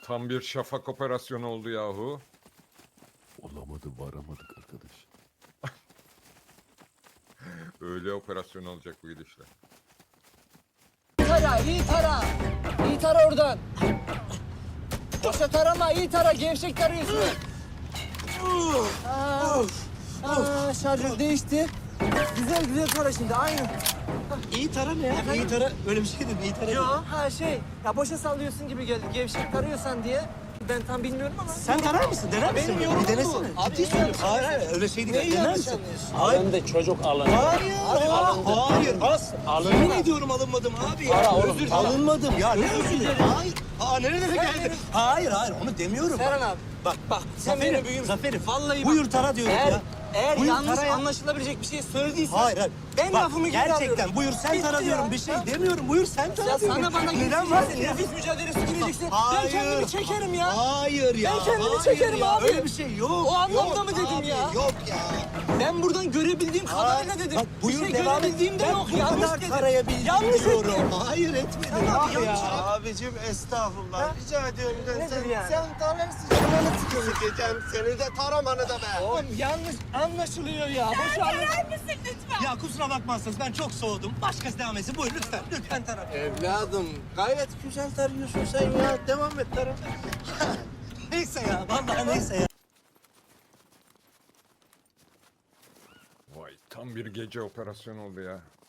Tam bir şafak operasyonu oldu yahu. Olamadı, varamadık arkadaş. Öyle operasyon olacak bu gidişle. Tara, iyi tara. İyi tara oradan. Boşa tarama, iyi tara. Gevşek tarıyorsun. Şarjör değişti. Güzel güzel tara şimdi, aynı. İyi tara ne ya? İyi tara öyle bir şey değil. İyi tara. Yo, ya boşa sallıyorsun gibi geldi. Gevşek tarıyorsan diye. Ben tam bilmiyorum ama. Sen tarar mısın? Dener misin? Benim Bir yorumum bu. denesene. Abi, Ciddi söylüyorum. yanlış Hayır öyle şey değil. Neyi Dener yanlış misin? anlıyorsun? Hayır. Ben de çocuk alındı. Hayır. Hayır. Az. Alınma. Yemin ediyorum alınmadım abi ya. Para oğlum, Özür dilerim. para. Alınmadım. Ya ne özür dilerim? Hayır. Nerelere geldi? benim- Hayır onu demiyorum. Serhan abi. Bak. Sen benim büyüğümsün. Zafer'im. Vallahi bak. Buyur tara diyorum ya. Eğer Buyur yanlış tara ya. anlaşılabilecek bir şey söylediysen. Hayır. Ben Bak, lafımı geri alıyorum. gerçekten buyur sen Bitti tara ya. diyorum. Bir şey demiyorum. Buyur sen tara Ya diyorum. sana bana Neden var? gireceksin, nefis mücadelesi gireceksin. Hayır. Ben kendimi çekerim ya. Hayır ya. Ben kendimi hayır çekerim ya. abi. Öyle bir şey yok. O anlamda Yok mı dedim abi, ya? Yok ya. Ben buradan görebildiğim kadarıyla dedim. Bak buyur bir şey devam et. görebildiğim de Ben yok. bu Yanlış kadar dedim. tarayabildim Yanlış diyorum. ettim. Hayır etmedim Tamam abi ya. ya. Abicim estağfurullah. Rica ediyorum. Nedir yani? Sen tararsın. Canını sikeceğim. Seni de taramanı da be. Oğlum yanlış anlaşılıyor ya. Boşa Ya kusura bakmazsınız ben çok soğudum. Başkası devam etsin. Buyur lütfen. Lütfen tara. Evladım gayet güzel tarıyorsun sen ya. Devam et tara. Neyse ya. Vallahi neyse ya. Vay tam bir gece operasyonu oldu ya.